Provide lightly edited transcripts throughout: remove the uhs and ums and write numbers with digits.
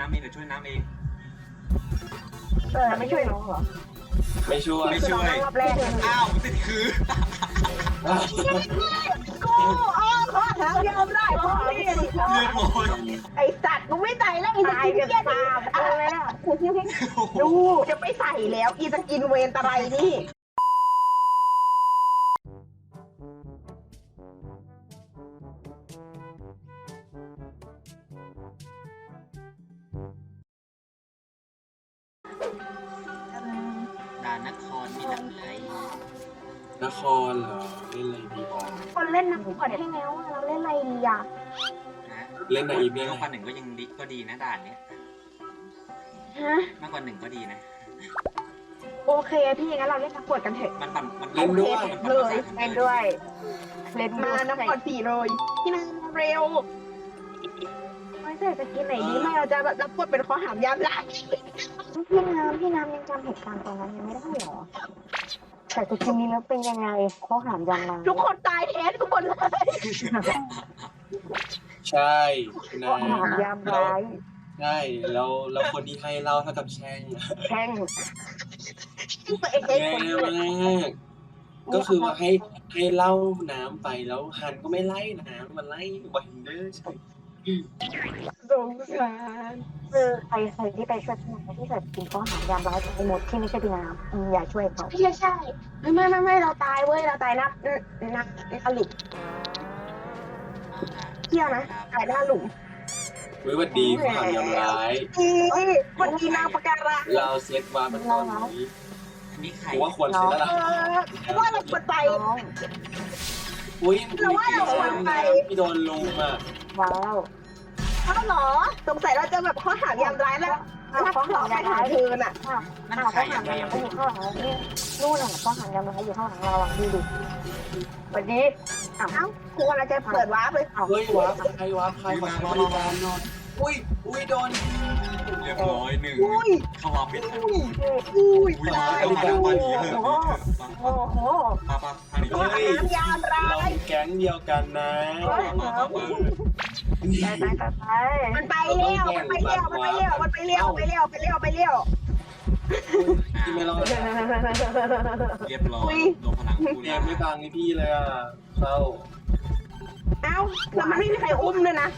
น้ำเองเดี๋ยวช่วยน้ำเองไม่ช่วยน้องเหรอไม่ช่วยไม่ช่วยรอบแรกอ้าวติดคือกูขอหายอมได้พ่อพี่เรียบร้อยไอสัตว์มึงไม่ใส่แล้วอีสกินเกียร์อะไรอ่ะดูจะไม่ใส่แล้วอีสกินเวนตะไรนี่ด่านนครมีหลักไหลนครเหรอเล่นอะไรดีบอลคนเล่นน้ำขวดให้แล้วเราเล่นอะไรดีอ่ะนะเล่นในอีเมลมากกว่าหนึ่งก็ยังดีก็ดีนะด่านเนี้ยฮะมากกว่าหนึ่งก็ดีนะโอเคพี่งั้นเราเล่นน้ำขวดกันเถอะมันปั่นมันเล่นด้วยเลยเล่นด้วยเล่นมาน้ำขวด4เลยพี่นางเร็วไม่ใช่จะกินไหนดีไม่เราจะแบบรับบทเป็นข้อหามยามหลักพี่น้ำยังจำเหตุการณ์ตอนนั้นยังไม่ได้เหรอ แต่จริงๆแล้วเป็นยังไงข้อหามยังไงทุกคนตายแทนทุกคนเลยใช่นะข้อหามยามร้ายใช่แล้วคนที่ให้เล่าเท่ากับแช่งแช่งตัวเองแย่มากก็คือว่าให้เล่าน้ำไปแล้วฮันก็ไม่ไล่น้ำมันไล่วันเดอร์ใช่สงสารใครที่ไปช่วยพี่น้ำที่เกิดกินข้อหามยามร้ายไปหมดที่ไม่ใช่พี่น้ำอย่าช่วยเขาพี่ใช่ไม่เราตายเว้ยเราตายนักหลุมเที่ยวนะตายหน้าหลุมวิวัฒดีข้อหามยำร้ายวันนี้นางประการังเราเซตวามันตอนนี้อันนี้ใครผมว่าควรเซตแล้วล่ะว่าเราควรไปน้องอุ้ยเราว่าเราควรไปพี่โดนลุมอ่ะว้าวเขาหรอสงสัยเราจะแบบข้อหามยามร้ายแล้วถ้าเราไปหาเธอน่ะนั่นข้อใครหามอะยามร้ายอยู่ข้างหลังนี่นู่นน่ะข้อหามยามร้ายอยู่ข้างหลังเราอ่ะดูดิสวัสดีเอ้ากูว่าเราจะเปิดวาร์ปเลยเฮ้ยวาร์ปใครวาร์ปใครขอใช้บริการหน่อยอุ้ยโดนเรียบร้อยหนึ่งอุ้ยเข้ามาปิดทันอุ้ยอุ้ยตายต้องมาทางบ้านนี้เถอะโอ้โหป้าทางนี้ข้อหามยามร้าเรายแก๊งเดียวกันนะไปมันไปเร็วมันไปเร็วที่ไม่รอดเรียบร้อยลงพลังกูเกมไม่ฟังนี่พี่เลยอ่ะเศร้าเอ้าแล้วมันไม่มีใครอุ้มเลยนะ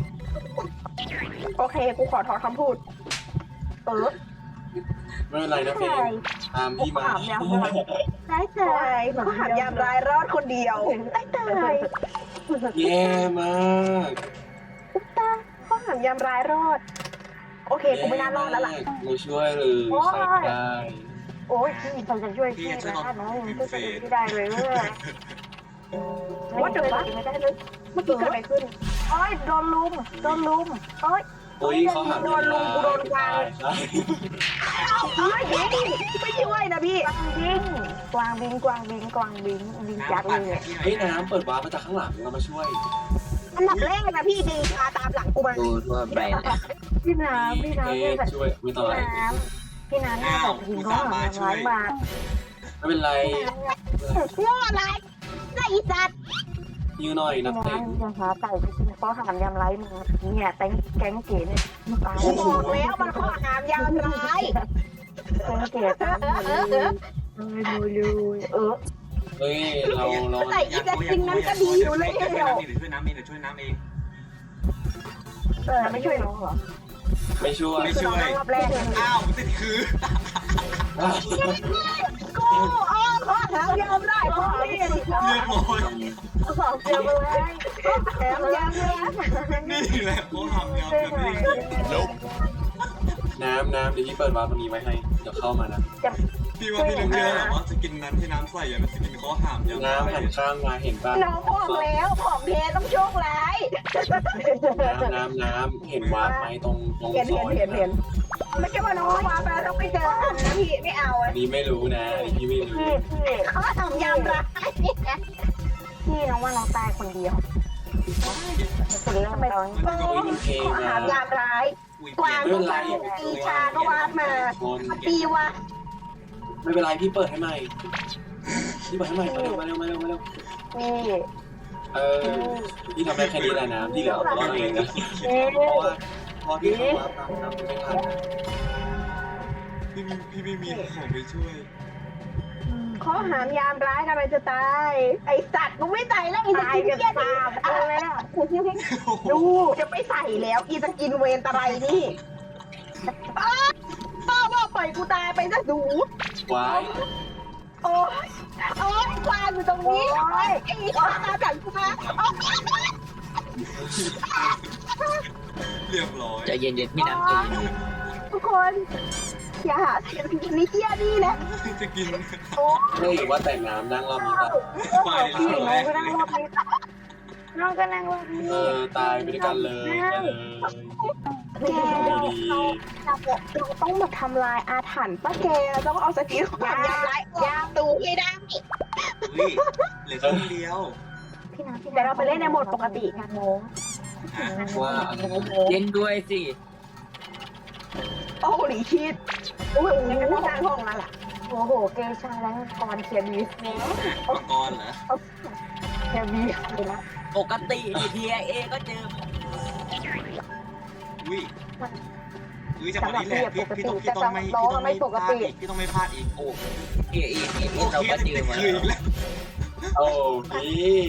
โอเคกูขอถอนคำพูดไม่เป็นไรนะเฟนตามพี่มาได้เตยข้อหามยามร้ายรอดคนเดียวได้เตยแย่มากข้อหามยามร้ายรอดโอเคกูไม่น่ารอดแล้วล่ะไม่ช่วยเลยใช้ได้โอ้ยพี่เขาจะช่วยพี่นะน้องช่วยพี่ได้เลยว่าเดี๋ยวไม่ได้เลยเมื่อกี้เกิดอะไรขึ้นโอ้ยโดนลุมโอ้ยอุ้ยเขาหาใช่ไม่ช่วยนะพี่กวางบิงยักษ์เลยเฮ้ยน้ำเปิดวาร์ปมาจากข้างหลังเรามาช่วยอันดับแรกนะพี่ดึงพาตามหลังกูมาดูทั่วไปพี่น้ำเนี่ยแบบช่วยไม่ต้องอะไรพี่น้ำเนี่ยแบบหินเขาหาร้ายมาไม่เป็นไรโง่อะไรไอ้สัตว์ยืนหน่อยนักพี่เตะน้ำจะหาไก่ที่เขาหามยำไรมาเนี่ยแก๊งเก๋เนี่ยตายกูบอกแล้วมันข้อหามยามร้ายแก๊งเก๋ตายเลยเฮ้ยเราแต่อีแต่จริงนั้นก็ดีอยู่เลยช่วยเดียวน้ำเองเดี๋ยวช่วยน้ำเองเดี๋ยวช่วยน้ำเองไม่ช่วยน้องเหรอไม่ช่วยไม่ช่วยรอบแรกอ้าวติดคือกูข้อหามยามร้ายพ่อพี่เรียบร้อยสองเดียวเลยแถมยามร้ายนี่แหละเขาทำยำแบบนี้น้ำเดี๋ยวพี่เปิดวาร์ปตรงนี้ไว้ให้เดี๋ยวเข้ามานะพี่ว่าพี่ต้องเชื่อหรอว่าสกินนั้นที่น้ำใส่อะมันสกินเขาหามยำน้ำหันข้างมาเห็นป่ะน้องบอกแล้วของเทต้องโชคร้ายน้ำเห็นวาร์ปไหมตรงซอยเห็นไม่ใช่ว่าน้องมาไปแล้วต้องไปเจอกันนะพี่ไม่เอาอันนี้ไม่รู้นะอันนี้พี่ไม่รู้เขาทำยามร้ายพี่น้องว่าน้องตายคนเดียวคนเริ่มตอนข้อหามยามร้ายกวางก็วางตีชาก็วาดมาตีวะไม่เป็นไรพี่เปิดให้ใหม่พี่เปิดให้ใหม่มาเร็วพี่พี่ทำได้แค่นี้แหละนะที่เหลือรอดเองนะเพราะว่าพอที่เขาว่าตามน้ำไม่ทันนะพี่ไม่มีของไปช่วยข้อหามยามร้ายกำลังจะตาย ไอสัตว์มึงไม่ใส่แล้วอีสกินเกียร์อะไรอ่ะดูจะไม่ใส่แล้วอีสกินเวนตะไรนี่ป้าว่าปล่อยกูตายไปซะดูว้ายโอ้ยโอ้ยควานอยู่ตรงนี้โอ้ยไอ้ควานมาจากกูมาเรียบร้อยใจเย็นๆพี่น้ำใจเย็นทุกคนอย่าหาเสียงกินนี่เกียนี่นะจะกินโอ้เฮ้ยว่าแต่น้ำนั่งรอบนี้ป่ะไปพี่แล้วน้องก็นั่งรอบนี้น้องก็นั่งรอบนี้ตายไปด้วยกันเลยไปเลยแกเราต้องมาทำลายอาถรรพ์ป้าแกเราต้องเอาสกิลความยำร้ายยามตูให้ได้เฮ้ยเหลือคนเดียวพี่น้ำพี่แต่เราไปเล่นในโหมดปกติงานโมงว่าอะไรเล่นด้วยสิโอ้โหหลีชีดโอ้โหทางห้องนั่นแหละโอ้โหเกชาแล้วกรเคียบีสมังกรเหรอเคียบีเลยนะปกติทีเอก็เจออุ้ยจังหวะนี้แหละพี่ต้องไม่พลาดอีกพี่ต้องไม่พลาดอีกโอ้เอเราก็เจอมาคืออีกแล้วโอ้พี่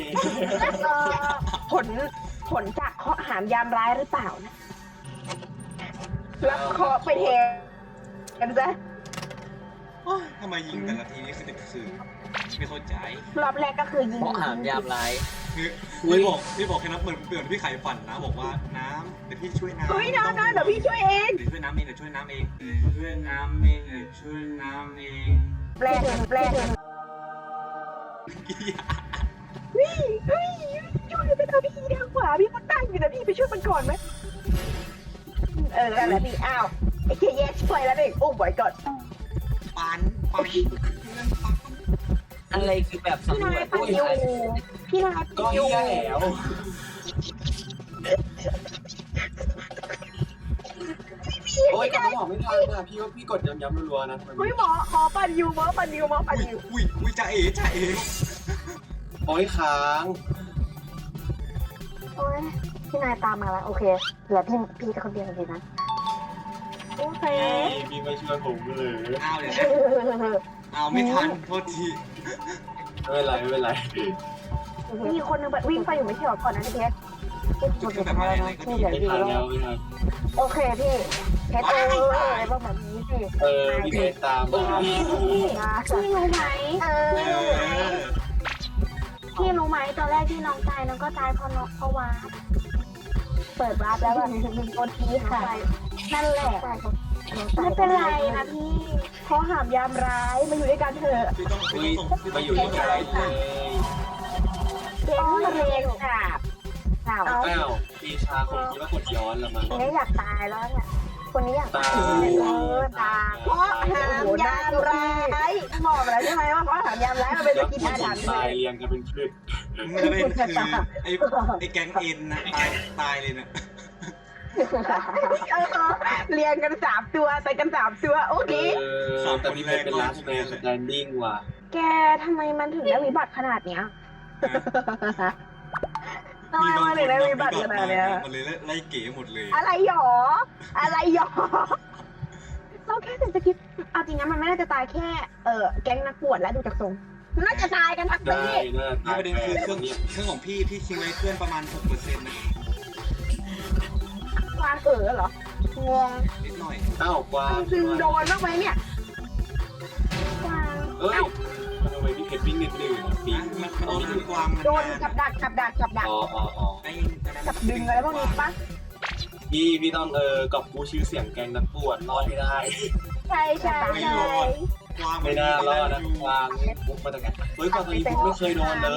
ผลจากเคาะหามยามร้ายหรือเปล่านะรับเคาะไปเทกันซะทำไมยิงแต่ละทีนี่คือไม่เข้าใจรอบแรกก็คือยิงเพราะหามยามร้ายพี่บอกแค่นั้นเหมือนพี่ไข่ฝันนะบอกว่าน้ำเดี๋ยวพี่ช่วยน้ำเฮ้ยน้ำเดี๋ยวพี่ช่วยเองเดี๋ยวช่วยน้ำเองเดี๋ยวช่วยน้ำเองช่วยน้ำเองช่วยน้ำเองแรกช่วยไปทำพี่ทางขวาพี่มันตั้งอยู่นะพี่ไปช่วยมันก่อนไหมแล้วพี่อ้าวไอ้เคแยกช่วยแล้วเด็กโอ้บ่อยก่อนปันอะไรคือแบบพี่สำรนาวย จปันยูพี่นายก็ปันยูเหี้ยแล้วโอ้ยก็บอกไม่ทันนะพี่ว่าพี่กดย้ำๆรัวๆนะเฮ้ยหมอปันยูอุ้ยจ่าเอ๋โอ้ยค้างโอ้ยพี่นายตามมาแล้วโอเคเหลือพี่จะคนเดียวเลยนะโอเคพี่ไม่ช่วยผมเลยอ้าวเดี๋ยวเอาไม่ทันโทษทีไม่เป็นไรมีคนนึงแบบวิ่งไปอยู่ไม่ใช่หรอก่อนนะพี่เพชรก็คือแบบอะไรก็ดีไม่ทันแล้วไม่ทันโอเคพี่เพชรอะไรบ้างแบบนี้สิพี่เพชรตามมาพี่รู้ไหมพี่รู้ไหมตอนแรกที่น้องตายน้องก็ตายเพราะน้องเพราะว่าเปิดวาร์ปแล้วแบบโดนทีค่ะนั่นแหละไม่เป็นไรนะพี่เพราะหามยามร้ายมาอยู่ด้วยกันเถอะพี่ต้องอุ้ยส่งมาอยู่ที่ใจเลยเก่งเรียนค่ะอ้าวอ้าวปีชาคงคิดว่ากดย้อนละมั้งคนนี้อยากตายแล้วเนี่ยคนนี้อยากตาตายตาเพราะหามยามร้ายบอกแล้วใช่ไหมว่าเพราะหามยามร้ายมันเป็นสแล้วกินผู้อาหญิถรง รพ์ตายเรียงกันเป็นพืชมันเป็นคือไอ้แก๊งเอ็นนะตายเลยนะเรียงกัน3 ตัวใส่กัน3 ตัวโอเคแต่พี่เพชรเป็น last man standing ว่ะแกทำไมมันถึงได้วิบัติขนาดเนี้ยทำไมมันถึงได้วิบัติขนาดเนี้ยมันเลยไล่เก๋หมดเลยอะไรหรอเราแค่เศรษฐกิจเอาจริงนะมันไม่น่าจะตายแค่แก๊งนักบวชแล้วดูจากทรงน่าจะตายกันทั้งได้ปีน่านี่ตายประเด็นคือเครื่องของพี่ทิ้งไว้เครื่องประมาณ 6% นะวางเหรองงนิดหน่อยอ้าวกวางคือโดนบ้างไหมเนี่ยกวางเอ้ยทำไมพี่เพชรวิ่งนิดนึงปีมันโดนคือกวางมันโดนกับดักอ๋อกับดึงอะไรพวกนี้ปะพี่ต้องกอบกู้ชื่อเสียงแกงนักบวชรอดให้ได้ใช่กวางไม่น่ารอดนะกวางปุ๊บมาจากไหนเฮ้ยกวางตัวนี้ผมไม่เคยโดนเลย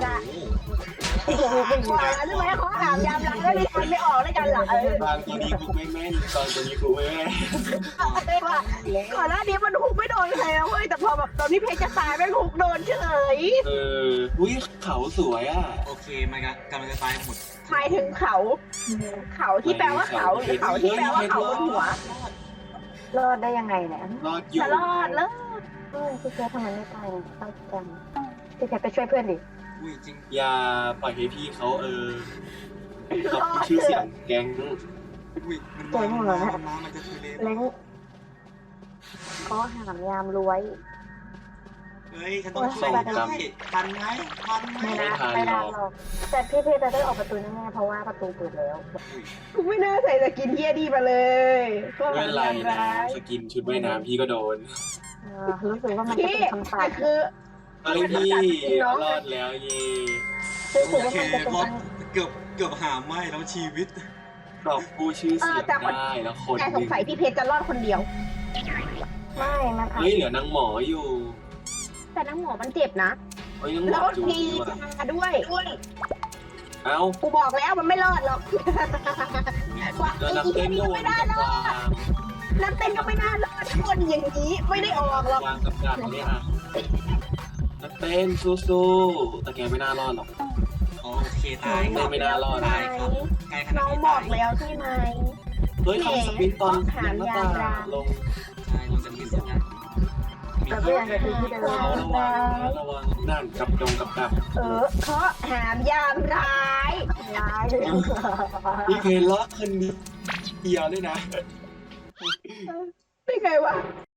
กวางใช่ไหมเขาหามยามหลังแล้วดิฉันไม่ออกด้วยกันหรอกกวางตัวนี้กูไม่แม่นกวางตัวนี้กูไม่แม่นก่อนหน้านี้มันฮุกไม่โดนใครนะเว้ยแต่พอแบบตอนที่เพชรจะตายแม่งฮุกโดนเฉยอุ้ยเขาสวยอ่ะโอเคมันกำลังจะตายหมดหมายถึงเขาที่แปลว่าเขาหรือเขาที่แปลว่าเขาบนหัวรอดได้ยังไงเนี่ยรอดอยู่จะรอดแล้วพี่เพชรทำไมไม่ตายเนี่ยต้องจังพี่เพชรไปช่วยเพื่อนดิอุ้ยจริงอย่าปล่อยให้พี่เขากอบกู้ชื่อเสียงแกงอุ้อุ้ยมันจะทุเรศเล้งก็หามยามรวยเฮ้ยฉันต้องช่วยทันไหมไม่ได้ไม่ได้หรอกแต่พี่จะได้ออกประตูแน่ๆเพราะว่าประตูเปิดแล้วกูไม่น่าใส่สกินเฮียดีมาเลยก็ไม่เป็นไรนะสกินชุดว่ายน้ำพี่ก็โดนรู้สึกว่ามันจะพี่เป็นคำตอบแต่คือเฮ้ยพี่รอดแล้วเย่รู้สึกโอว่าเคมันจะเป็นรอดเกือบหาไม่แล้วชีวิตกรอบผู้ชื่อเสียงได้แล้วคนแต่หสงนึ่งสัยพี่เพชรจะรอดคนเดียวไม่มันเฮ้ยเหลือนางหมออยู่แต่น้ำหมอมันเจ็บนะเฮ้ยนางหมแล้อวจูทีดีว่ะมาด้วยเอ้ากูบอกแล้วมันไม่รอดหรอกว่าแล้วไอ้นักเฮีเต้ยนนี่ก็ก็วไม่นได้กับหรอกวางนักเต้นก็ไม่น่ารอดคนอย่างนี้ไม่ได้ออกหรอกวางกับดักเนี่ยอ่ะนักเต้นสู้ๆแต่แกไม่น่ารอดหรอกโอเคตายครับตายใกล้ขนาน้ดองนี้บอตาก ยแล้วใช่ไหมเฮ้ยทำสปินตอนยังหน้าตาลงใช่ลงจากที่สุดนะมีแต่ก็ยังจะที่เดิมเขาระวังนั่นกับดักเพราะหามยามร้ายร้ายเลยพี่เพลรอดคนเดียวด้วยนะได้ไงวะ